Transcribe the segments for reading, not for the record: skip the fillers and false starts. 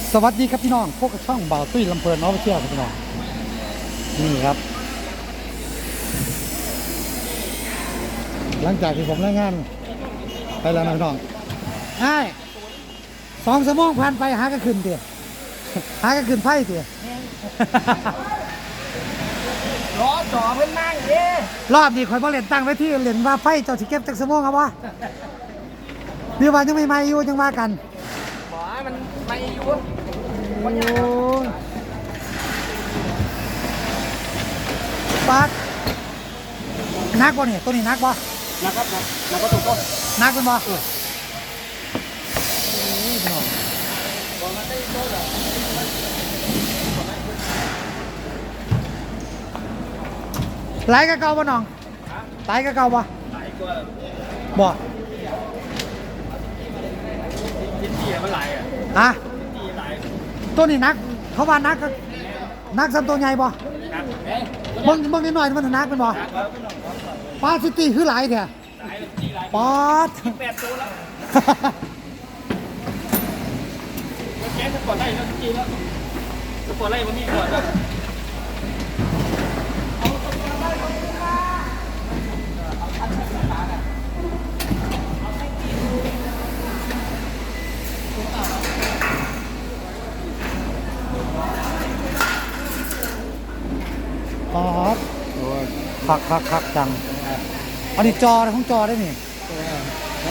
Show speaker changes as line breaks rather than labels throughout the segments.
สวัสดีครับพี่น้องพวกช่องบ่าวตุ้ยลำเพลินน้องเชี่ยวครับพี่น้องนี่ครับ หลังจากที่ผมรายงานไปแล้วนะพี่น้องใช่2 ชั่วโมงผ่านไปหาก็ขึ้นเตี๋ยหาก็ขึ้นไพ่เตี๋ย
ล้อจ่อเพิ่นนั่งเด้
รอบนี้คอยบอลเล่นตั้งไว้ที่เล่นว่าไพ่เจ้าสิเก็บจากชั่วโมงครับวะนี่ว่ายังไม่อยู่จังว่ากัน
บ่มันไม่อยู่
โอ้ยปัดนักบ่เนี่ยตัวนี้นักบ่
นะครับแล้วก็ถูกต้อง
นักเป็นบ่ไหลกะเก่าบ่น้องไหลกะเก่าบ่บ่
ชิ้นที่มันไหลอ่ะ
ฮะ
ที่ไหล
ตัวนี้นักเขาว่านักก็นักซ้ำตัวใหญ่บ่
ครับ
เบิ่งนิดหน่อยมันนักเป็นบ่ปลาซิตี้คือหลายแท้ปอด
8 ตัวแล้วแกจะกดได้แล้วจริงแล้วจะกดได้บ่มีกดแล้ว
ปอดคักจังอันนี้จอของจอได้นี่
ก็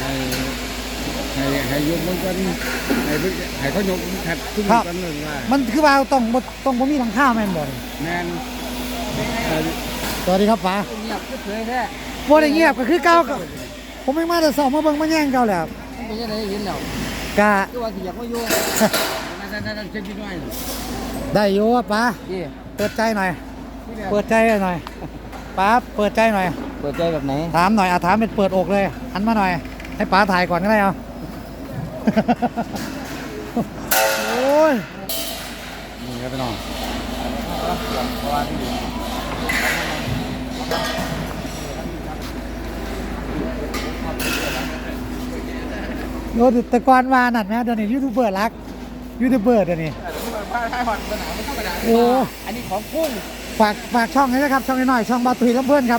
ให้ยกมันกันให้เขายกแทบทุกกันเลยว่า
มันคือว่าต้องบ่มีหลังคาแม่นบ่นี่
แมน
สวัสดีครับป๋า
เงียบก็เผยแท้
บ่ได้เงียบก็คือเก่าก็ผมไม่มาแต่สอบมาเบิ่งมาแย่งเก่าแล้ว
มันเป็นยังไงเห็นแล้ว
กะ
คือว่าสิอยากมาอยู่
นั่นเช็ดนิดหน่อย
ได้อยู่อะป๋า
พี่
เปิดใจหน่อยเปิดใจหน่อยป๋าเปิดใจหน่อย
เปิดใจแบบไหน
ถามหน่อยถามเป็นเปิดอกเลยหันมาหน่อยให้ป๋าถ่ายก่อนก็ได้เอา โอ้ยนี่ครับพี่น้องโอ้แต่ก่อนว่านั่นนะเดี๋ยวนี้ยูทูบเบอร์รักยูทูบเบอร์เดี๋ยวนี้โอ้
อันนี้ของกุ้ง
ฝากช่องนี้นะครับช่องน้อยๆช่องบาตุยลำเพื่อนครับ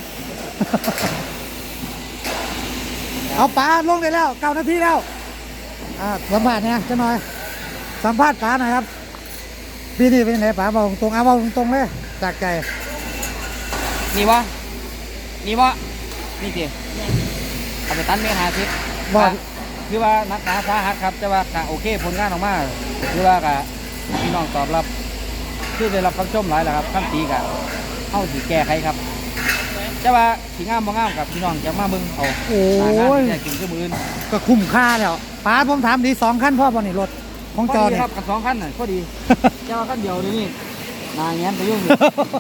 เอาป๋าลงได้แล้ว9 นาทีแล้วสัมภาษณ์เนี่ยจะหน่อยสัมภาษณ์ป๋าหน่อยครับปีนี้เป็นยังไงป๋าบอกตรงบอกตรงเลยจากใจ
นี่วะนี่สิเอาไปตันเมหาทิพย์
ว่า
คือว่านักหนาสาหัสครับแต่ว่าก็โอเคผลงานออกมาคือว่าก็พี่น้องตอบรับคือได้รับคำชมหลายแหละครับคำตีกับเข้าสีแก้ไขครับแต่ว่าสีงามบ่งามกับพี่น้องจะมาเบิ่งเอา
โอ้
หน้างาน
ย
ที่ได้กินคือมืออื่น
ก็คุ้มค่าแล้วป๋าผมถามดี2 คันพ่อบ่นี่รถของ
พ
จ
อ
อ
ดี
เนี่ย
ครับกับ2 คันน่ะพอดีเจ้าคันเดียวนี่นายแง้มไปยุ่งอยู่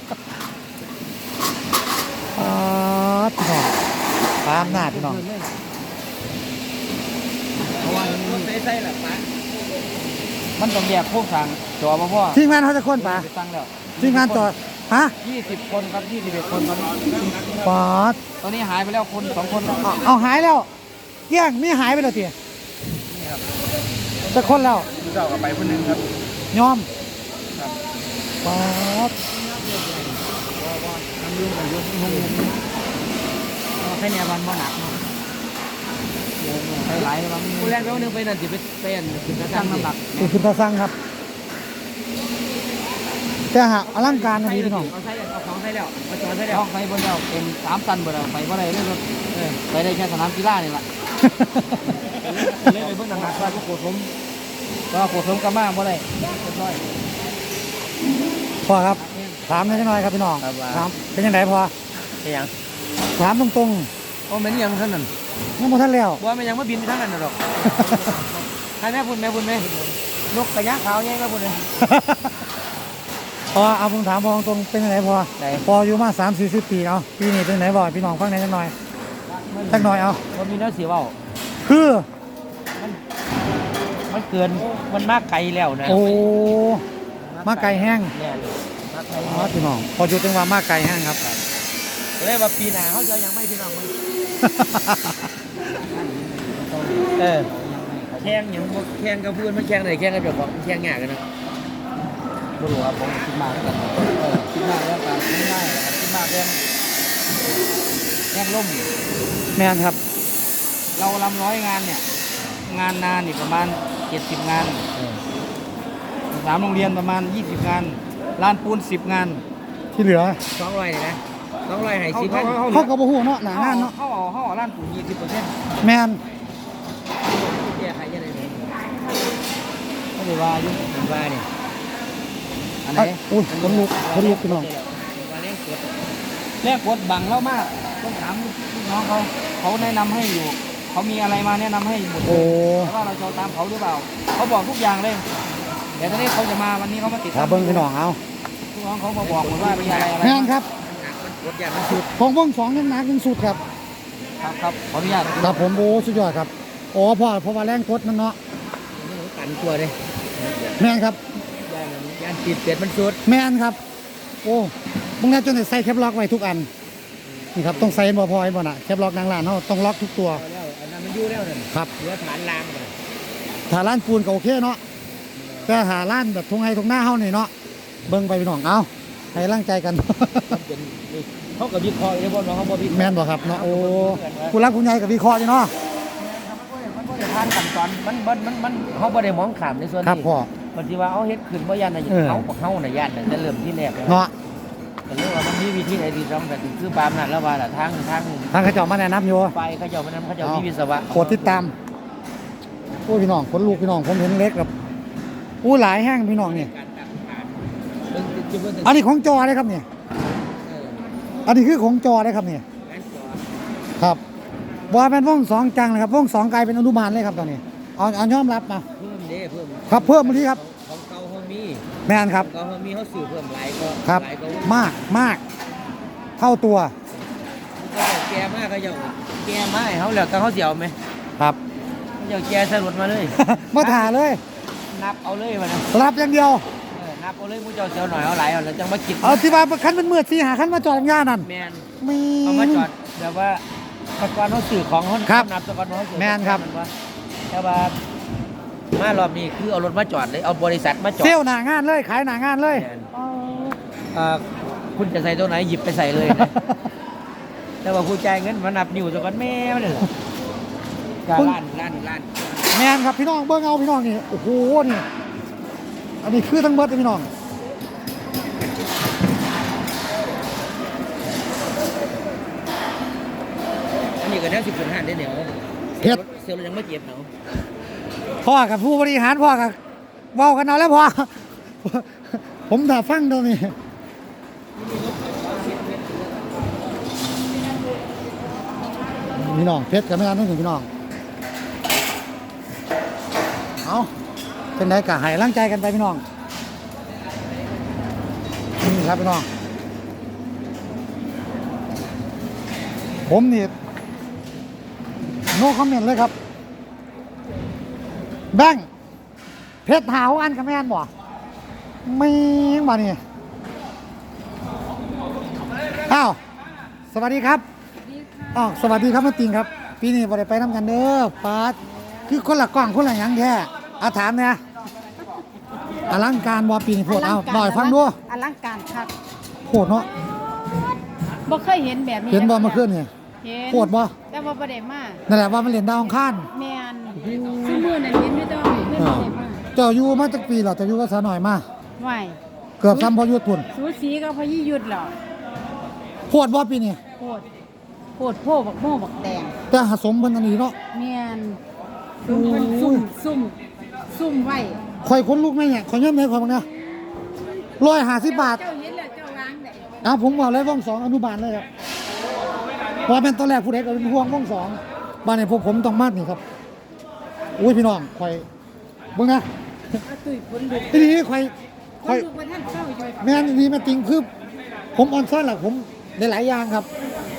พี่น้องป๋าอำนาจพี่น้อง
เพราะว่ามันใส่แหละปะมันต้องแยกโครงสร้างจอมาพ่อ
ทีมงานเขาจะค้นป๋า
ไปตั้งแล้ว
ทีมงานจอฮะ
20 คนครับ21 คนตอนนี้
ป๋า
ตอนนี้หายไปแล้วคน2 คนแล้ว
เอาหายแล้วเกี้ยงมีหายไปแล้วเตี๋ยจะคนแล้ว
เจ้ากับไปคนนึงครับ
ยอมป๋า
แค่เนี้ยมันบ่หนักไปหลายบางคนแรกไปวันนึงไปนั่นสิไปเป็นตั้งน้ำหนัก
เป็นคุณตาสั่งครับแต่หากอลังการนะพี่น้อง
เอาใส่เอาของใส่แล้วมาจอดใส่แล้วของใส่บนแล้วเป็น3 ตันบนแล้วไปว่าไรเรื่องรถไปได้แค่สนามกีฬานี่แหละเลยไปเพิ่งหนักว่าโคตรผมก็โคตรผมกลับมาบ่ได้เรียบร้อย
พ่อครับถามหน่อยครับพี่น้อง
ครับว่า
ถามเป็นยังไงพ่อ
เป็นยัง
ถามตรง
โอ้แม่นี่ยังท่านนั่น
ๆยังบ่ทันแล้ว
บ่แม่ยังมาบินไปทางนั้นหรอกให้แม่พุ่นแม่นกกระยะขาวแย่งแม่พุ่นเลย
พ่อเอาผมถามพ่อตรงๆเป็นยังไงพ่อ
ไหน
พ่ออยู่มา30-40 ปีเอาปีนี้เป็นยังไงบ่พี่น้องฟังหน่อยจักหน่อยจักหน่อยเอา
มันมีเนื้อเสียเว้า
คือ
มันเกินมันมากไกลแล้วนะ
โอ้มาไก่แห้ง
เนี่ยมากไกล
อ๋อพี่น้องพออยู่จังหวะมาไก่แห้งครับ
เลยว่าปีหน้าเขาจะยังไม่พี่น้องมัน
เออ
ข่งอย่างแข่งกับเพื่อนมันแข่งไหนแข่งกับเจ้าของแข่งยากกันนะบ่รู้ว่าผมคิดมากแล้วกันคิดมากแล้วกันคิดง่ายคิดมากแข่งล่ม
แม่นครับ
เราลำร้อยงานเนี่ยงานนานนี่ประมาณ70 งาน3 โรงเรียนประมาณ20 งานลานปูน10 งาน
ที่เหลือ
200เลยนะ200ให้10
เขาก็บ่ฮู้เนาะหน้างานเนาะ
เขาเอาลานปูน20%
แม่น
แก้ไขยังไงไม่ได้ว่าอยู่ว่านี่อันไหน
อุ้ยคนลุกพี่น้อง
แรกกดบังแล้วมากต้องถามลูกน้องเขาแนะนำให้อยู่เขามีอะไรมาแนะนำให้หมดเลย
โอ้
ว่าเราจะตามเขาหรือเปล่าเขาบอกทุกอย่างเลยแต่ตอนนี้เขาจะมาวันนี้เขามาติด
ถ้าเบิ่งพี่น้องเอา
ลูกน้องเขามาบอกหมดว่ามีอะไร
แม่นครับ
กดอย่างนั้นสุด
ของวงสองยังหนักยังสุดครับ
ครับขออนุญาต
ครับผมโอ้สุดยอดครับอ๋อเพราะว่าแรงกดมันเนาะ
กันตัวเลย
แม่นครับ
ย่านติดเปลี่ยนมันสุด
แม่นครับ โอ้มึงน่าจนได้ใส่แคปล็อกไว้ทุกอันนี่ครับต้องใส่บ่พอไอ้บ่น่ะแคปล็อกนางร้านเฮาต้องล็อกทุกตัว
แล้วอันนั้นมันอยู่แล้วนั่น
ครับ
เหลือฐานรางก่อน
ถ้าร้านปูนก็โอเคเนาะแต่หาร้านแบบทงไห้ทงหน้าเฮานี่เนาะเบิ่งไปพี่น้องเอาให้ร่างใจกัน
เขากับวิเคราะห์เลยว่าน้องเขาบอกวิเคราะห์
แม่นบ่ครับเนาะโอ้ผู้รักผู้ใหญ่กับวิเคราะห์อยู่เนาะ
มันก็จะผ่านขั้นตอนมันเขาบ่ได้มองขามในส่วนนี้
ครับพ่อบ
างทีว่าเอาเฮ็ดขึ้นบ่ยันน่ะ
เออ
เขาน่ะยันน่ะจะเริ่มที่แรกแล้ว
เนาะ
แต่เรื่องว่ามันมีวิธีไหนที่ต้องแต่คือปามนั่นแล้วว่าล่ะทาง
ทางเขาเจ้ามาแนะนำอยู่
ไฟเขาเจ้ามันนำเขาเจ้ามีวิศวะ
โปรดติดตามโอ้พี่น้องคนลูกพี่น้องผมเห็นเล็กแบบอู้หลายแห้งพี่น้องนี่
การตั้งฐานเบิ่งจุดเบิ่ง
อันนี้ของจอเลยครับเนี่ยอันนี้คือของจอเลยครับเนี่ย
งานจอ
ครับว่าเป็นวงสองจังเลยครับวงสองกลายเป็นอนุบาลเลยครับตอนนี้เอายอมรับมา
เพิ่มเด้เพิ่ม
ครับเพิ่มมาทีครับ
ของเก่าเฮามี
แม่นครับ
ของเก่าเฮามีเฮาซื้อเพิ่มหลายก็
ครับ
หลายก็
มากเท่าตัว
เขาเจ้าแก่มากเขาเจ้าแก่มาให้เฮาแล้วแต่เฮาสิเอาไหม
ครับ
เขาเจ้าแก่สรุปมาเลย
มาถ่าเลย
นับเอาเลยมันนะ
รับอย่างเดียว
นับเอาเลยมูเจ้าเสียวหน่อยเอาหลายเอาแล้วจังมากิน
เอาที่ว่าคันเป็นมืดสีหาคันมาจอดงานนั่น
แมน
มี
เอามาจอดแบบว่าตะกอนเขาสื่อของเขา
ครับ
นับตะกอนเขาสื่อ
แม่นครับ
ว่าแต่ว่ามารอบนี้คือเอารถมาจอดเลยเอาบริษัทมาจอด
เซลหนางานเลยขายหนางานเลย
แม่นคุณจะใส่ตัวไหนหยิบไปใส่เลยนะแต่ว่าผู้จ่ายเงินมานับนิ้วตะกอนแม่ไม่ได้หรอกการล้าน
แมนครับพี่น้องเบิ้งเอาพี่น้องนี่โอ้โหนี่อันนี้คือทั้งเบิดเลยพี่น้อง
อันนี้ก็ได้10.5ได้เหนียว
เฮ็ด
เซลล์ยังไม่เจ็บเนาะ
พ่อกับผู้บริหารพ่อกับเว้ากันเอาแล้วพ่อ ผมถ้าฟังตรงนี้พี่น้องเพชรกับแม่นทั้งถึงพี่น้องเอาเป็นไงกะหายร่างใจกันไปพี่น้องนี่ครับพี่น้องผมนี่โน้คอมเมนต์เลยครับแบงค์เพชรหาวอันกับแม่นบ่ไม่มานี่อ้าวสวัสดีครับอ้าวสวัสดีครับแม่ติงครับปีนี้บ่ได้ไปน้ำกันเด้อปาดคือคนละกล้องคนละหยังแท้เอาถามเนี่ยอลังการบ่ปีนี้โพดเอาหน่อยฟังดู
อลังการคัก
โพดเนาะ
บ่เคยเห็นแบบนี้
เห็นบ่เมื่อคืนนี่
เห็น
โพดบ่
แต่ว่าบ่ได้มา
นั่นแหละว่ามันเล่นดาวอังคาร
แม่นซุมื้อนั้นเห็นอยู่แต่ว่าเพิ่นบ่ได้มา
เจ้าอยู่มาจักปีแล้วเจ้าอยู่กับสาวหน่อยมา
ไหว
เกือบซ้ำพอยุดพุ่น
สูสีกับพยี่หยุดแล้ว
โพดบ่ปีนี้
โพดโพดโพบักโม่บักแดง
แต่หาสมเพิ่นอันนี้เนาะ
แม่นซุ่มเพิ่นซุ่มไว้
ข่อยคนลูกแม่เนี่ยข่อยยอมให้ข่อยบังนะ150 บาท
เจ้าเห็นแล้วเจ้าวางได้
ผมบอกเลยว่องสองอนุบาลเลยครับเพราะเป็นตอนแรกผู้ใดก็เป็นห่วงว่องสองบ้านในพวกผมต้องมาดนี่ครับอุ้ยพี่น้องข่อยเบิ่งนะ
เอาตุ้ยผลลุก
ทีนี้ข่อย
ผ
ข่อ
ล
ย
ลุกว่าท่านเข้าอยู่
แม่นนี่มาติงคือผมออนซ่อนหลักผมหลายๆอย่างครับ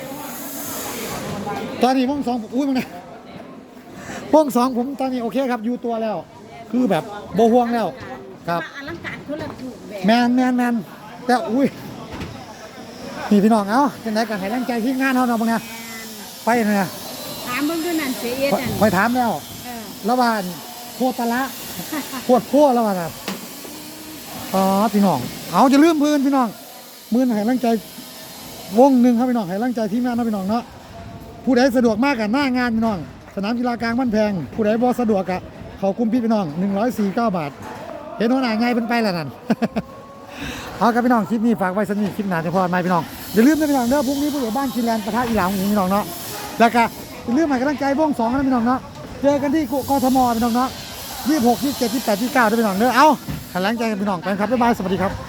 ตอนนี้ว่องสองอุ้ยมึงนะว่องสองผมตอนนี้โอเคครับอยู่ตัวแล้ว คือแบบโบห่วงแล้วครับ
อลังการคนละรูปแบบ
แมนแต่อุ้ยนี่พี่น้องเอ้าจังได๋ก็ให้แรงใจทีมงานเฮาเนาะบังนะไปเนี่ย
ถามเบิ่งดูนั่นเสียเอ็ดนั่น
ค่อยถามแล้ว
เออ
ระหว่างโคตรละโคตรโคตรแล้วว่ะครับอ๋อพี่น้องเอาจะลืมพื้นพี่น้องมือให้ร่างใจวงหนึ่งครับพี่น้องให้ร่างใจทีมงานนะพี่น้องเนาะผู้ใดสะดวกมากกับหน้างานพี่น้องสนามกีฬากลางบ้านแพงผู้ใดบ่สะดวกกับเขากุมพี่น้อง149 บาทเห็นหัวหน้าไงเป็นไปแล้วนั่น เอาครับพี่น้องคลิปนี้ฝากไว้สนิทคลิปหนาจะพอไหมพี่น้องอย่าลืมนะพี่น้องเด้อพรุ่งนี้ผู้ใหญ่บ้านกินแลนด์ปะทะอีหลามพี่น้องเนาะแล้วก็อย่าลืมให้กำลังใจวง2นะพี่น้องเนาะเจอกันที่กทมพี่น้องเนาะ26 27 28 29ด้วยพี่น้องเด้อเอากำลังใจกันพี่น้องไปครับบ๊ายบายสวัสดีครับ